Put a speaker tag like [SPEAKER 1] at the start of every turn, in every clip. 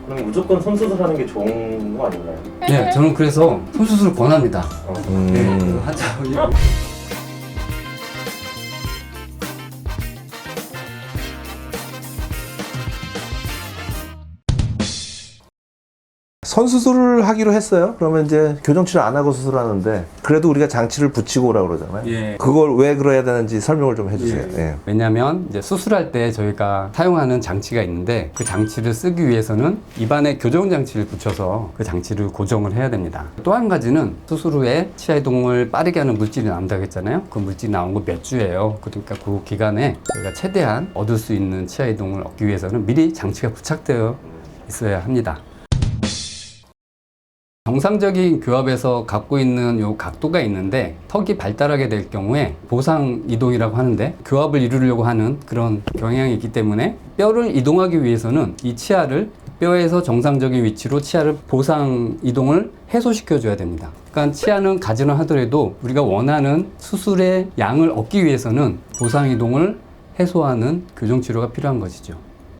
[SPEAKER 1] 그럼 무조건 손수술하는 게 좋은 거 아닌가요?
[SPEAKER 2] 네, 저는 그래서 손수술을 권합니다. 네,
[SPEAKER 3] 음.
[SPEAKER 2] 환자
[SPEAKER 3] 선수술을 하기로 했어요. 그러면 이제 교정치료 안 하고 수술하는데 그래도 우리가 장치를 붙이고 오라고 그러잖아요.
[SPEAKER 2] 예.
[SPEAKER 3] 그걸 왜 그래야 되는지 설명을 좀 해주세요. 예.
[SPEAKER 2] 왜냐하면 이제 수술할 때 저희가 사용하는 장치가 있는데 그 장치를 쓰기 위해서는 입안에 교정 장치를 붙여서 그 장치를 고정을 해야 됩니다. 또 한 가지는 수술 후에 치아 이동을 빠르게 하는 물질이 나온다고 했잖아요. 그 물질이 나온 거 몇 주예요. 그러니까 그 기간에 저희가 최대한 얻을 수 있는 치아 이동을 얻기 위해서는 미리 장치가 부착되어 있어야 합니다. 정상적인 교합에서 갖고 있는 요 각도가 있는데 턱이 발달하게 될 경우에 보상 이동이라고 하는데 교합을 이루려고 하는 그런 경향이 있기 때문에 뼈를 이동하기 위해서는 이 치아를 뼈에서 정상적인 위치로 치아를 보상 이동을 해소시켜 줘야 됩니다. 그러니까 치아는 가지런 하더라도 우리가 원하는 수술의 양을 얻기 위해서는 보상 이동을 해소하는 교정 치료가 필요한 것이죠.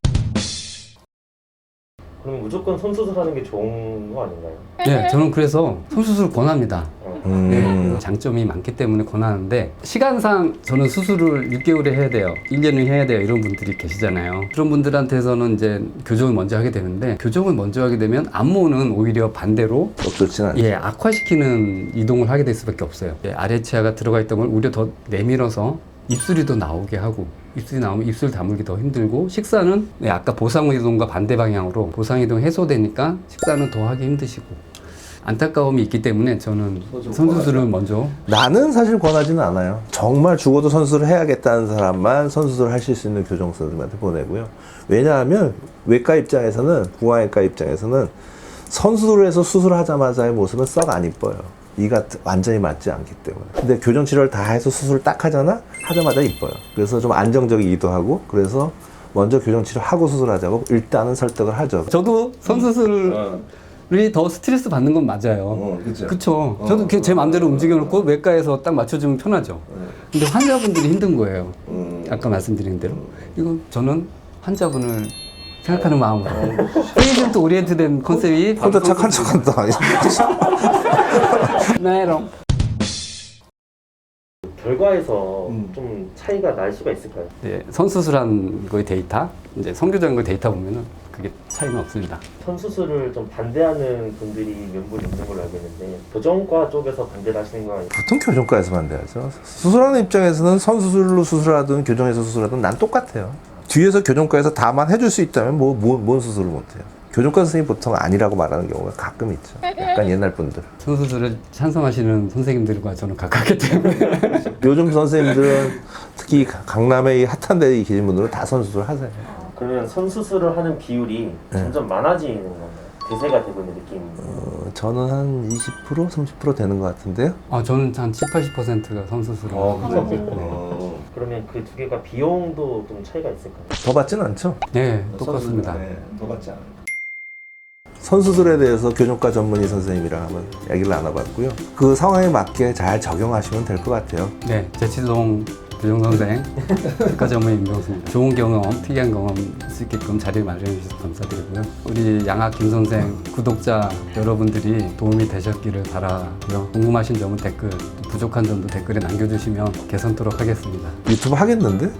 [SPEAKER 1] 그럼 무조건 손수술하는 게 좋은 거 아닌가요?
[SPEAKER 2] 네, 저는 그래서 손수술을 권합니다.
[SPEAKER 3] 음.
[SPEAKER 2] 네, 장점이 많기 때문에 권하는데 시간상 저는 수술을 6개월에 해야 돼요, 1년을 해야 돼요 이런 분들이 계시잖아요. 그런 분들한테서는 이제 교정을 먼저 하게 되는데 교정을 먼저 하게 되면 안모는 오히려 반대로
[SPEAKER 3] 좋지는 않죠.
[SPEAKER 2] 악화시키는 이동을 하게 될 수밖에 없어요. 아래 치아가 들어가 있던 걸 오히려 더 내밀어서 입술이 더 나오게 하고, 입술이 나오면 입술 다물기 더 힘들고, 식사는 아까 보상이동과 반대 방향으로 보상이동 해소되니까 식사는 더 하기 힘드시고, 안타까움이 있기 때문에 저는 손수술을 먼저.
[SPEAKER 3] 나는 사실 권하지는 않아요. 정말 죽어도 선수를 해야겠다는 사람만 선수술을 하실 수 있는 교정 선생님한테 보내고요. 왜냐하면 외과 입장에서는, 부화외과 입장에서는 선수술을 해서 수술하자마자의 모습은 썩 안 이뻐요. 이가 완전히 맞지 않기 때문에. 근데 교정 치료를 다 해서 수술을 딱 하잖아? 하자마자 이뻐요. 그래서 좀 안정적이기도 하고, 그래서 먼저 교정 치료하고 수술하자고 일단은 설득을 하죠.
[SPEAKER 2] 저도 손수술이 더 스트레스 받는 건 맞아요.
[SPEAKER 3] 그죠.
[SPEAKER 2] 그쵸. 저도 제 마음대로 움직여놓고 외과에서 딱 맞춰주면 편하죠. 근데 환자분들이 힘든 거예요. 아까 말씀드린 대로. 이건 저는 환자분을 생각하는 마음으로. 페이션트 오리엔트된 컨셉이
[SPEAKER 3] 혼자 착한 척한다.
[SPEAKER 2] 나이롱.
[SPEAKER 1] 결과에서 좀 차이가 날 수가 있을까요?
[SPEAKER 2] 네, 선수술한 거의 데이터, 이제 성교적인 거 데이터 보면은 그게 차이는 없습니다.
[SPEAKER 1] 손수술을 좀 반대하는 분들이 몇 분 있는 걸로 알고 있는데 교정과 쪽에서 반대를 하시는 거 아니에요?
[SPEAKER 3] 보통 교정과에서 반대하죠. 수술하는 입장에서는 선수술로 수술하든 교정에서 수술하든 난 똑같아요. 뒤에서 교정과에서 다만 해줄 수 있다면 뭔 수술을 못해요. 교정과 선생님이 보통 아니라고 말하는 경우가 가끔 있죠. 약간 옛날 분들.
[SPEAKER 2] 선수술을 찬성하시는 선생님들과 저는 가깝기 때문에.
[SPEAKER 3] 요즘 선생님들은 특히 강남에 이 핫한 데에 계신 분들은 다 선수술 하세요.
[SPEAKER 1] 그러면 손수술을 하는 비율이 점점 많아지는 건가요? 대세가 되고 있는 느낌이에요?
[SPEAKER 3] 저는 한 20%, 30% 되는 것 같은데요.
[SPEAKER 2] 저는 한 70, 80%가 선수술을
[SPEAKER 1] 그러면 그 두 개가 비용도 좀 차이가 있을까요?
[SPEAKER 3] 더 받지는 않죠?
[SPEAKER 2] 네, 똑같습니다.
[SPEAKER 3] 더 받지 않아요. 선수술에 대해서 교정과 전문의 선생님이랑 한번 얘기를 나눠봤고요. 그 상황에 맞게 잘 적용하시면 될 것 같아요.
[SPEAKER 2] 네, 제치동 교정선생, 국가 전문의 임종수입니다. 좋은 경험, 특이한 경험 수 있게끔 자리를 마련해 주셔서 감사드리고요. 우리 양학 김 선생 구독자 여러분들이 도움이 되셨기를 바라고요. 궁금하신 점은 댓글, 부족한 점도 댓글에 남겨주시면 개선토록 하겠습니다.
[SPEAKER 3] 유튜브 하겠는데?